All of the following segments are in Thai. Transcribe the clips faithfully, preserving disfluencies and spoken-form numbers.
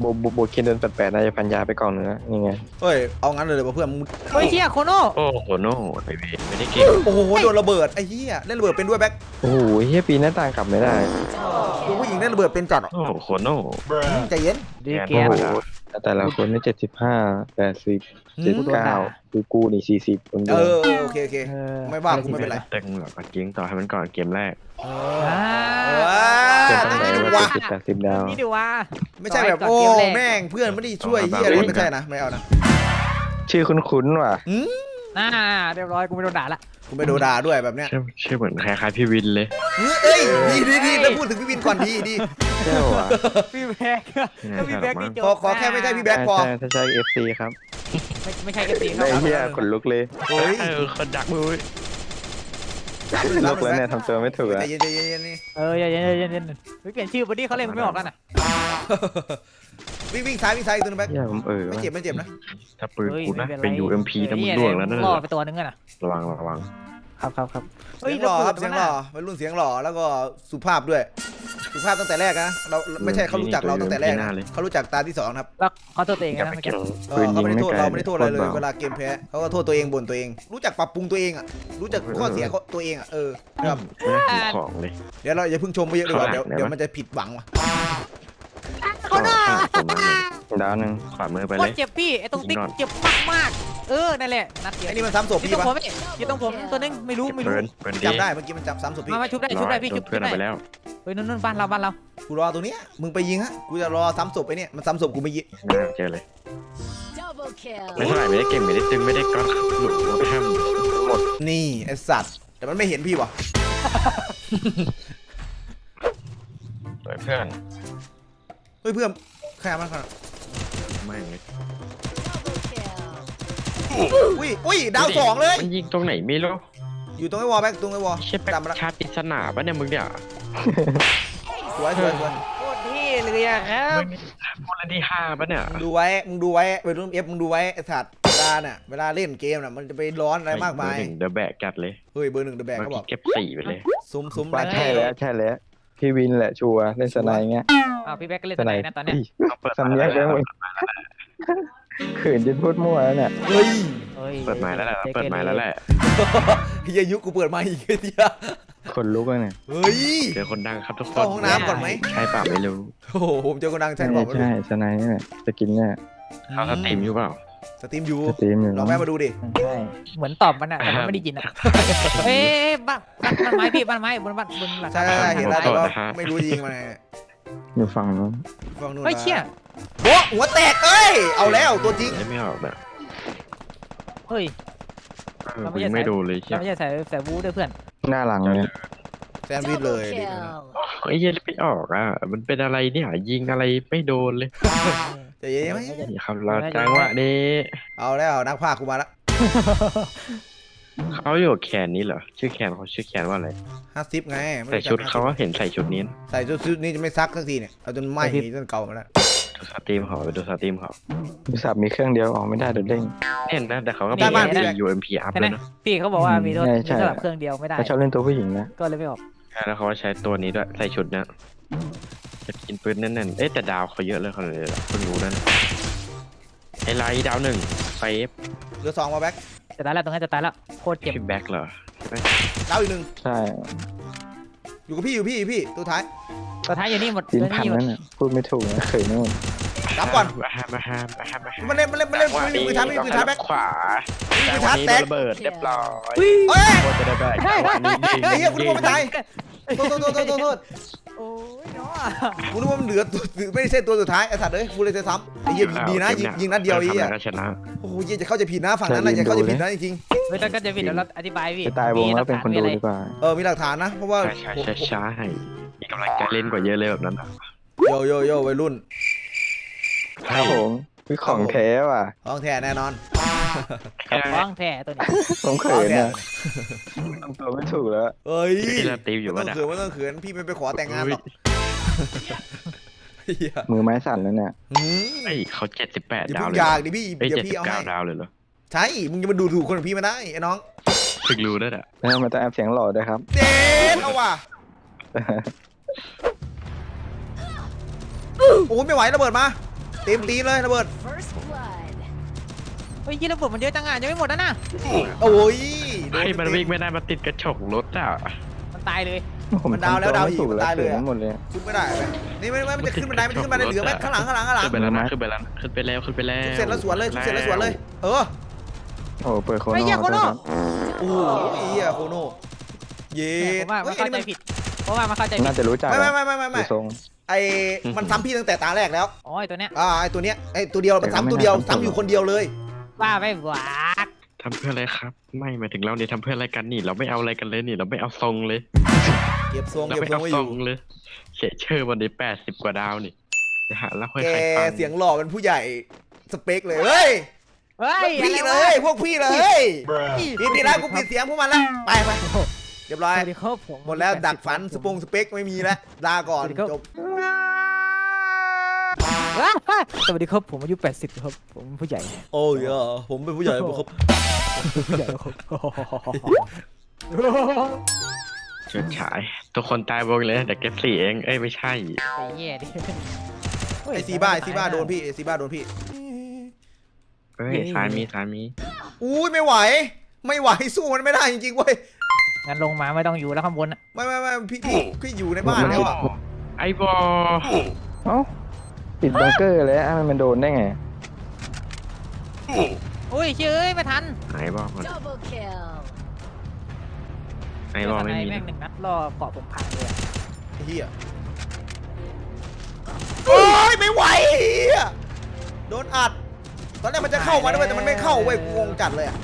โบโบโบเคนเดินแปลกๆน่าจะพันยาไปก่อนนะยังไงเฮ้ยเอางั้นเลยเพื่อนมึงเฮ้ยเชี่ยโคโน่โอ้โหโน่ไอเวไม่ได้เก่งโอ้โหโดนระเบิดไอ้เหี้ยเล่นระเบิดเป็นด้วยแบ็คโอ้โหเฮียปีหน้าต่างกลับไม่ได้ตัวผู้หญิงเล่นระเบิดเป็นจัดโอ้โหโคโน่ใจเย็นดีเกโอ้มโหแต่ละคนนี่เจ็ดสิบห้าแปดสิบเจ็ดเก้ากูกูนี่สี่สิบคนเดีเอยวอโอเคโอเคไม่ว่ากูไม่เป็นไรแต่งแบบเก่งต่อให้มันก่อนเกมแรกเออ่าอเจ็ดตั้งแต่นี่ดูว่าว่าเจ็ดสิบแปดสิบดาวนี่ดูว่าไม่ใช่แบบโอ้แม่งเพื่อนไม่ได้ช่วยเหี้ยอะไรไม่ใช่นะไม่เอานะชื่อคุ้นๆว่ะอืมน่าเรียบร้อยกูไม่โดนด่าละกูไม่โดนด่าด้วยแบบเนี้ยใช่ใช่เหมือนคล้ายๆพี่วินเลยเอ้ยดีดีดีแล้วพูดถึงพี่วินก่อนดีดีเจ้าว่ะพี่แบ็กก็พี่แบ็กนี่จบขอขอแค่ไม่ใช่พี่แบ็คพอใช่ถ้าใช่เอฟซีครับไม่ไม่ใช่เอฟซีคไอ้รับเฮียขนลุกเลยเฮ้ยเออคนดักมือลุกแล้วเนี่ยทำตัวไม่ถูกใจแล้วเย็นใจเย็นนี่เออเย็นเย็นเย็นเย็นเฮ้ยเปลี่ยนชื่อบอดี้เขาเล่นไม่ออกกันอ่ะวิ่งวิ่งซ้ายวิ่งซ้ายตัวนึงแบ็คเฮียผมเออไม่ว่ะเจ็บไม่เจ็บนะถ้าปืนกูนะเป็น ยู เอ็ม พีนะมึงล่วงแล้วนั่นรอไปตัวนึงกันอ่ะระวังระวังครับครับครับเสียงหล่อครับเสียงหล่อวัยรุ่นเสียงหล่อแล้วก็สุภาพด้วยสุภาพตั้งแต่แรกนะเราไม่ใช่เขารู้จักเราตั้งแต่แรกนะเขารู้จักตาที่สองครับแล้วเขาตัวเองนะเมื่อกี้เออเขาไม่ได้โทษเราไม่ได้โทษอะไรเลยเวลาเกมแพ้เขาก็โทษตัวเองบ่นตัวเอง รู้จักปรับปรุงตัวเองอ่ะรู้จักข้อเสียตัวเองอ่ะเออครับไม่ได้ถูกของเลยเดี๋ยวเราอย่าเพิ่งชมไปเยอะดีกว่าเดี๋ยวเดี๋ยวมันจะผิดหวังว่ะเขาหน้าผมมาเลยดาวหนึ่งขวามือไปโคเลตยรเจ็บพี่ไอ้ตรงติ๊กเจ็บมากมากเออนั่นแหละนัดเดียวไอ้นี่มันซ้ำศพยี่พี่ตรงปะผมยี่ตรงผมตัวนึงไม่รู้ไม่รู้เปิดเปิดดีจำได้เมื่อกี้มันจับซ้ำศพพี่มามาชุบได้ชุบได้พี่โดชุนบเพื่อนได้เอาไปแล้วเฮ้ยนู่นนู่นบ้านเราบ้านเรากูรอตัวเนี้ยมึงไปยิงฮะกูจะรอซ้ำศพไอ้เนี่ยมันซ้ำศพกูไม่ยิงเจอเลย Double kill. ไม่เท่าไหร่ไม่ได้เก่งไม่ได้ตึงไม่ได้ก้อนหลุดหัวไปห้ามนี่ไอสัตว์แต่มันไม่เห็นพี่วะเปิดเพื่อนเฮ้ยเพื่อนใครเอามาขนาดไม่ Double kill. อุ้ยอุ้ยดาวสองเลยมันยิงตรงไหนไม่รู้อยู่ตรงไอ้วอลแบ็กตรงไอ้วอลใช่แปจำมาละชาติปริศนาปะเนี่ยมึงเนี่ยสวยสวยสวยโคตรเท่เลยอะครับมึงนี่คนละที่ห้าปะเนี่ยมึงดูไว้มึงดูไว้ไปรุ่นเอฟมึงดูไว้ไอ้สัตว์เวลาเนี่ยเวลาเล่นเกมน่ะมันจะไปร้อนอะไรมากมายหนึ่งเดอะแบกกัดเลยเฮ้ยเบอร์หนึ่งเดอะแบกเมื่อเขาบอกี้กเก็บสี่ไปเลยซุ้มซุ้มว่าใช่แล้วใช่แล้วพี่วินแหละชัวร์เล่นสไนเงี้ยอ้าวพี่แบ็กก็เล่นสตัวไนไหนนะตอนเนี้ยสำเนียกได้หมดเขินจนพูดมั่วแล้วเนี่ยเฮ้ยเฮ้ยเปิดไม้แล้วแหละเปิดไม้แล้วแหละเฮียยุกูเปิดมาอีกเดียวคนลุกเลยเนี่ยเฮ้ยเจอคนดังครับทุกคนเข้าห้องน้ำก่อนไหมใช่เปล่าไม่รู้โอ้โหผมเจอคนดังแทใช่นบอกมาดูใช่สไนนี่แหละสกินเนี่ยเขาสตรีมอยู่เปล่าสตรีมอยู่สตรีมอยู่ลองแวะมาดูดิใช่เหมือนตอบมันอะแต่มันไม่ได้ยินอะเอ้ยบ้านบ้านบ้านไม้พี่บ้านไม้บนบ้านบนหลังใช่เห็นแล้วแต่ว่าไม่รู้ยิงมาไงอยู่ฝั่งนู้นฟังนู่นเฮ้ยเชี่ยโบ๊ะหัวแตกเอ้ยเอาแล้วตัวจริงไม่ออกแบบเฮ้ยมึงไม่ดูเลยเชียเราไม่ใช่ใส่ใส่บูด้วยเพื่อนหน้าหลังเนี่ยแซนด์วิชเลย Double ดิ kill. ไอ้เหี้ยไม่ออกอ่ะมันเป็นอะไรเนี่ยยิงอะไรไม่โดนเลยใจเย็นไหมนี่ครับเราจังหวะนี้เอาแล้วนักพากย์กูมาละเขาอยู่แขนนี้เหรอชื่อแขนเขาชื่อแขนว่าอะไรห้าสิบไงใส่ชุดเขาก็เห็นใส่ชุดนี้นะใส่ชุดชุดนี้จะไม่ซักสักทีเนี่ยเอาจนไหม้จนเก่ามาแล้วดูสตรีมเขาไปดูสตรีมเขาโทรศัพท์มีเครื่องเดียวออกไม่ได้เดี๋ยวเด้งเห็นนะแต่เขาก็ได้มีบ้านพี่ยูเอ็มพีอัพใช่เลไหมยนะพี่เขาบอกว่ามีโทษใช่มีใช่สำหรับเครื่องเดียวไม่ได้เขาชอบเล่นตัวผู้หญิงนะก็เลยไม่ออกแล้วเขาใช้ตัวนี้ด้วยใส่ชุดเนี้ยจะกินปืนแน่นๆเอ๊ะแต่ดาวเขาเยอะเลยเขาเลยเพิ่งรู้นั่นไอ้ไลท์ดาวหนึ่งไฟเอฟเหลือสองมาแบ็คจะตายแล้วตรงนี้จะตายแล้วโคตรเจ็บพี่แบ็คเหรอดาวอีกหนึ่งใช่อยู่กับพี่อยู่พี่อยู่พี่ตัวท้ายตัวท้ายอยู่นี่หมดกินตัวพันนี้หมดนั่นน่ะพูดไม่ถูกนะเขินนู่นรับก่อนมาฮามาฮามาฮามาฮามันเล่นมันเล่นมันเล่นมันเล่นมือท้ายไม่มีมือท้ายแบ็คขวามือท้ายแตกระเบิดเรียบร้อยเฮ้ยโคตรจะได้แบกจังหวะนี้ไอ้เหี้ยกูนึกว่ามันตายโทษโทษโทษโทษโทษโอ้ยเนาะกูนึกว่ามันเหลือตัวไม่ใช่ตัวสุดท้ายไอ้สัตว์เอ้ยกูเลยจะซ้ำไอ้เหี้ยดีนะยิงยิงนัดเดียวไอ้เหี้ยก็ชนะโอ้โหจะเข้าใจผิดนะฝั่งนั้นนะจะเข้าใจผิดนะจริงเฮ้ยถ้าก็จะผิดเดี๋ยวเราอธิบายพี่จะตายวงแล้วเป็นคนดูดีกว่าๆเออมีหลักฐานนะเพราะว่าใช่ใช่ใช่มีกำลังใจเล่นกว่าเยอะเลยแบบนั้นโยโยโย่วัยรุ่นครับผมคือของแท้ว่ะของแท้แน่นอนฟ้องแท้ตัวนี้ผมเขินนะทำตัวไม่ถูกแล้วเอ้ยที่เราตีอยู่ไม่ว่าต้องเขินไม่ต้องเขินพี่ไม่ไปขอแต่งงานหรอกเหี้ยมือไม้สั่นแล้วเนี่ยหืมไอ้เขาเจ็ดสิบแปดอย่าดาวเพิ่งเลยอยากดิพี่เอ้ยเดี๋ยเจ็ดวสิพี่บเอาเก้าให้ดาวเลยเหรอใช่มึงจะมาดูถูกคนของพี่ไม่ได้ไอ้น้องถึงรู้ได้อ่ะแล้วมันจะแอบเสียงหล่อด้วยครับเด็ดเอาว่ะโอ้ยไม่ไหวระเบิดมาเต็มตีเลยระเบิด First blood. เฮ้ยยี่ระเบิดมันเยอะจังอ่ะยังไม่หมดนะน่ะโอ้ยให้มันวิ่งไม่ได้มาติดกระจกรถอ่ะมันตายเลยมันดาวแล้วดาวอีกถูกมันแล้วตายเลยเกิดอะหมดเลยขึ้นไม่ได้ไหมนี่ไม่ไม่มันจะขึ้นบันไดมันจะขึ้นบันไดเหลือไหมข้างหลังข้างหลังข้างหลังขึ้นไปแล้วนะขึ้นไปแล้วขึ้นไปแล้วขึ้นไปแล้วทุบเสร็จแล้วสวนเลยทุบเสร็จแล้วสวนเลย เออโอ้เปิดโคไอ้โน่เหี้ยโคโน่โอ้โหเหี้ยโคโน่เย็ผมดว่ามันเข้าใจผิดเพราะว่ามันเข้าใจผิน่าดจะรู้จักไม่ไม่ไม่ไม่ไม่ดูไม่ทรงไอ้มันซ้ำพี่ตั้งแต่ตาแรกแล้วอ๋อไอ้ตัวเนี้ยอ่าไอ้ตัวเนี้ยไอ้ตัวเดียวมันซ้ำตัวเดียวซ้ำอยู่คนเดียวเลยว่าไม่หวากทำเพื่ออะไรครับ ไม่หมายถึงเราเนี่ยทำเพื่ออะไรกันนี่ เราไม่เอาอะไรกันเลยนี่ เราไม่เอาทรงเลยเก็บทรงเราเก็บไม่ทรเอางไว้อทรยู่งเลยเฉยเชื่อวันนี้แปดสิบกว่าดาวนี่จะหาแล้วค่อยแกใครฟังเสียงหล่อเป็นผู้ใหญ่สเปคเลยเฮ้ยเฮ้ยพี่อะไรเลวะยพวกพี่เลยปิดปิดแล้วกูปิดเสียงพวกมันแล้วไปไปเรียบร้อยสวัสดีครับผมหมดแล้วดักฝันสปงสเปคไม่มีแล้วลาก่อนจบสวัสดีครับผมอายุแปดสิบครับผมผู้ใหญ่โอ้ยอ่ะผมเป็นผู้ใหญ่ผมครับผู้ใหญ่ครับเฉิดฉายทุกคนตายวงเลยแต่เก็บสี่เองเอ้ยไม่ใช่ไอ้เหี้ยดิไอซีบ้าไอซีบ้าโดนพี่ไอซีบ้าโดนพี่เฮ้ยสายมีสายมีอุ้ยไม่ไหว ไม่ไหวสู้มันไม่ได้จริงๆเว้ยงั้นลงมาไม่ต้องอยู่แล้วข้างบนอ่ะไม่ไม่ไม่พี่พี่พี่อยู่ในบ้านแล้วอ่ะไอ้บอเอ้าปิดบังเกอร์เลยอ่ะมันโดนได้ไงอุ้ยเชื่อไม่ทันไอ้บอมัน Double kill. ไอ้บอไม่มีแม่งหนึ่งนัดรอเกาะผมพังเลยไอ้เฮียโอ้ยไม่ไหวเฮียโดนอัดตอนแรกมันจะเข้ามาด้วยแต่มันไม่เข้าเว้ยงงจัดเลยอ่ะ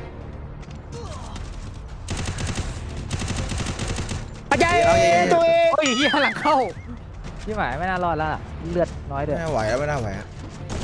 อาจารย์ตัวเองโอ้ยเหี้ยหลังเข้าพี่หมายไม่น่ารอดแล้วล่ะเลือดน้อยเด้อไม่ไหวแล้วไม่น่าไหวอ่ะ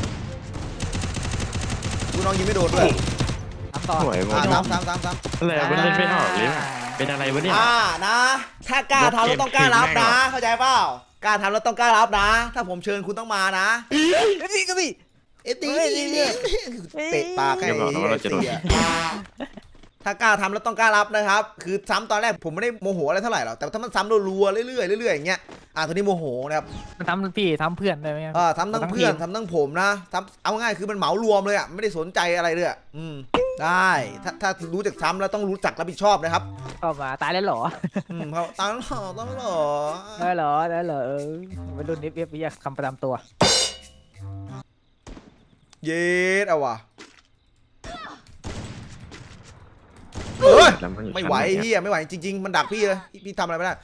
กูน้องยิงไม่โดนด้วยทำต่อหวยบออ่าลซ้ำซ้ำซ้ำซ้ำอะไรมันเล่นไม่ออกเลยว่ะเป็นอะไรวะเนี่ยอ่านะ ถ้ากล้าทำแล้วต้องกล้ารับนะ เข้าใจเปล่ากล้าทำแล้วต้องกล้ารับนะ ถ้าผมเชิญคุณต้องมานะนี่ก็มีเอ็ดดี้เตะปากให้เดี๋ยวบอกนะว่าเราจะโดนเสียถ้ากล้าทำแล้วต้องกล้ารับนะครับ คือซ้ำตอนแรกผมไม่ได้โมโหอะไรเท่าไหร่หรอกแต่ถ้ามันซ้ำรัวๆเรื่อยๆเรื่อยๆอย่างเงี้ยอ่าตอนนี้โมโหนะครับมันทำพี่ทำเพื่อนได้ไหมอ่าทำทั้งเพื่อนทำทั้งผมนะทำเอาง่ายคือมันเหมารวมเลยอ่ะไม่ได้สนใจอะไรเลยอ่ะอืมได้ถ้าถ้ารู้จักซ้ำแล้วต้องรู้จักรับผิดชอบนะครับเข้ามาตายแล้วเหรออืมเขาตามหล่อตามหล่อได้เหรอได้เหรอเออวัยรุ่นนิฟเอฟเรียกคำประจำตัวเย็ดเอาว่ะเฮ้ยแล้วนอยู่ไม่ไหวชั้นนเฮียไม่ไหวจริง ๆ มันดักพี่เลยพี่พี่ทำอะไรไม่ได้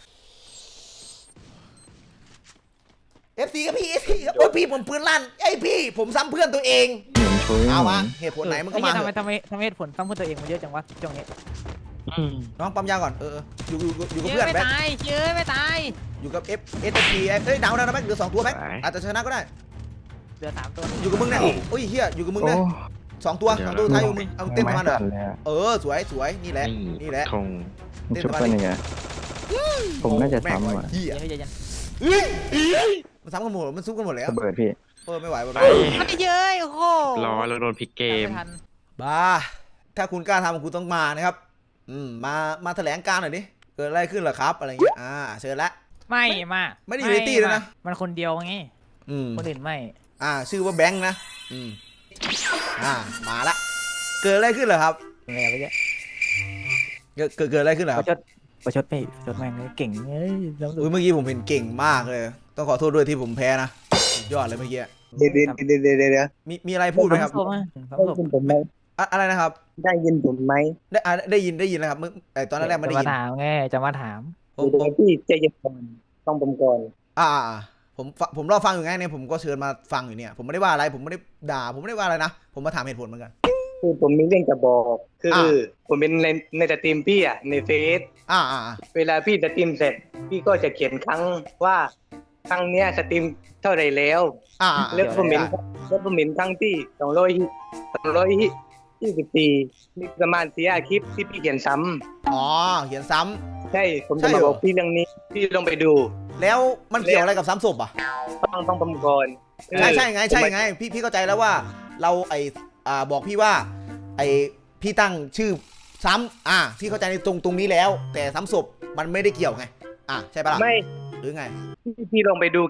เอฟซีกับพี่เอฟซีครับโอ้ยพี่ผมปืนลั่นไอ้ยพี่ผมซ้ำเพื่อนตัวเองเหมือนชุยเอาเหมืมาอนเหตุผลไหนมันก็เอมาอเถทำไมอะทำไมทำไมเหตุผลต้องพูดตัวเองมันเยอะจังวะช่วงนี้อืมน้องปั๊มยาก่อนเอออยู่อยู่อยู่กับเยเพื่อนอะไม่แบ๊กตายเยอะไม่ตายอยู่กับเอฟเอสพีเอ้ยดาวนะแบ๊กเหลือสองตัวแบ๊กอาจจะชนะก็ได้เหลือสามตัวอยู่กับมึงเนี่ยโอ้ยเฮียอยู่กับมึงโอ้เนี่ยสองตัวสองตัวท้ายอยู่มึงเอาเต้นประมาณเหรอไสั่เลยอะเออสวยสวยนี่แหละนี่นี่แหละธงมันชุบเป็นยังไงผมน่าจะซ้ำอ่ะเฮียเยอะเยอะมันซ้ำกันหมดมันซุกกันหมดแล้วระเบิดพี่เออไม่ไหวไปว่ะมันเยอะโอ้โหรอแล้วโดนพลิกเกมไม่ทันบ้าถ้าคุณกล้าทำคุณต้องมานะครับอืมมามาแถลงการหน่อยดิเกิดอะไรขึ้นเหรอครับอะไรเงี้ยอ่าเชิญละไม่มาไม่ได้อยู่ในตี้ด้วยนะมันคนเดียวไงอืมคนอื่นไม่อ่าชื่อว่าแบงค์นะอืมอ่ามาละเกิดอะไรขึ้นเหรอครับยังไงไปเยอะเกิดเกิดเกิดอะไรขึ้นเหรอปครัระบชดประชดไม่ประชดแม่งเลยเก่งเอ้ยน้ำดูอุ้ยเมื่อกี้ผมเห็นเก่งมากเลย ต้องขอโทษด้วยที่ผมแพ้นะสุดยอดเลยเมื่อกี้เดี๋ยวเดี๋ยวเดี๋ยวเดี๋ยวเดี๋ยวมีมีอะไรพูดไหมครับสมสมได้สมยินผมไหมอะอะไรนะครับได้ยินผมไหมได้อ่าได้ยินได้ยินแล้วครับเมื่อไอตอนแรกๆไม่ได้จะยินมาถามไงจะมาถามผมผเดี๋ยมวพี่ใจเย็นก่อนต้องผมก่อนอ่าอ่าอ่าผมฟังผมรอฟังอยู่ไงเนี่ยผมก็เชิญมาฟังอยู่เนี่ย ผมไม่ได้ว่าอะไรผมไม่ได้ด่าผมไม่ได้ว่าอะไรนะผมมาถามเหตุผลเหมือนกันคือผมมีเรื่องจะบอก คือออผมเป็นในในสตรีมพี่อ่ะในเฟซอ่าอ่าอ่าเวลาพี่สตรีมเสร็จ พี่ก็จะเขียนครั้งว่าครั้งเนี้ยสตรีมเท่าไหรแล้วอ่าอ่าแล้วผมเห็นแล้วผมเห็นครั้งที่สองร้อยสองร้อยยี่สิบสี่นี่ประมาณสี่คลิปที่พี่เขียนซ้ำอ๋อเขียนซ้ำใช่ผมใช่จะเหรอมาบอกพี่เรื่องนี้พี่ลองไปดูแล้วมันเกี่ยวอะไรกับซ้ำศพอ่ะต้องต้องผมก่อนใช่ใช่ไงใช่ผมไงพี่พี่เข้าใจแล้วว่าเราไออ่าบอกพี่ว่าไอพี่ตั้งชื่อซ้ำอ่าพี่เข้าใจในตรงตรงนี้แล้ว แต่ซ้ำศพมันไม่ได้เกี่ยวไงอ่ะใช่ปะล่ะไม่หรือไงพี่พี่ลองไปดูคลิป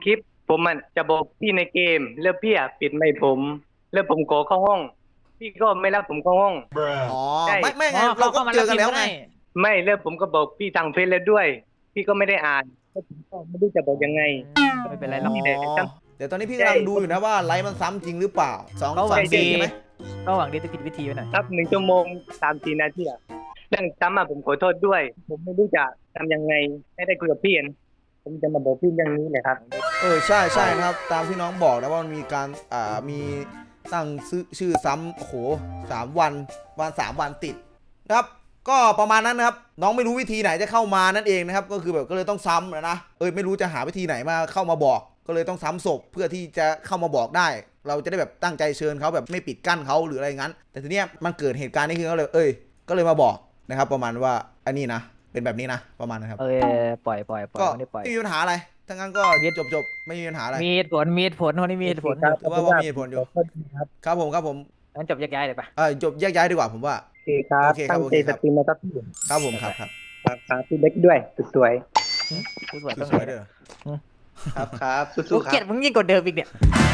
ผมมันจะบอกพี่ในเกมแล้วพี่อะปิดไม่ผม แล้วผมขอเข้าห้อง พี่ก็ไม่รับผมเข้าห้องอ๋อใช่ไม่ไม่ไงอ๋อเราก็ข้มเจอกันแล้วไงด้ไม่แล้วผมก็บอกพี่ทางเฟซแล้วด้วย พี่ก็ไม่ได้อ่านแล้วผมก็ไม่รู้จะบอกยังไงไม่เป็นไรหรอกนี่แหละเดี๋ยวตอนนี้พี่กำลังดูอยู่นะว่าไลฟ์มันซ้ำจริงหรือเปล่าสองก็หวัสาง มดีสี่ใช่ไหมก็หวังดีจะผิดวิธีไปหน่อยครับหนึ่งชั่วโมงสามสี่นาทีอะเรื่องซ้ำอะผมขอโทษด้วย ผมไม่รู้จะทำยังไงไม่ได้คุยกับพี่อะผมจะมาบอกพี่เรื่องนี้เลยครับเออใช่ใช่นะครับ ตามที่น้องบอกนะว่ามันมีการอ่ามีตั้งชื่อชื่อซ้ำโอ้โหสามวันวันสามวันติดนะครับ ก็ประมาณนั้นนะครับ น้องไม่รู้วิธีไหนจะเข้ามานั่นเองนะครับ ก็คือแบบก็เลยต้องซ้ำนะนะเออไม่รู้จะหาวิธีไหนมาเข้ามาบอก ก็เลยต้องซ้ำศพเพื่อที่จะเข้ามาบอกได้ เราจะได้แบบตั้งใจเชิญเขาแบบไม่ปิดกั้นเขาหรืออะไรงั้น แต่ทีเนี้ยมันเกิดเหตุการณ์นี้ขึ้นก็เลย เอ้ย ก็เลยมาบอกนะครับ ประมาณว่าอันนี้นะเป็นแบบนี้นะประมาณนะครับเออปล่อยปล่อยปล่อยก็ไม่ได้ปล่อยไม่มีปัญหาอะไรทั้งนั้นก็จบจบๆไม่มีปัญหาอะไรมีเหตุผลมีเหตุผลคนนี้มีเหตุผลครับถือว่าว่ามีเหตุผลอยู่ขอโทษครับครับผมครับผมงั้นจบแยกย้ายเลยปะเออจบแยกย้ายดีกว่าผมว่าโอเคครับโอเคครับตั้งโอใจเคคสรับตรีมนะครับพี่ครับผมครับครับครับครับพี่เล็กด้วยสุดสวยผู้สวยสต้องวยๆเด้อครับครับกูสู้ๆคเกลียรัดบมึงยิ่งกว่าเดิมอีกเนี่ยค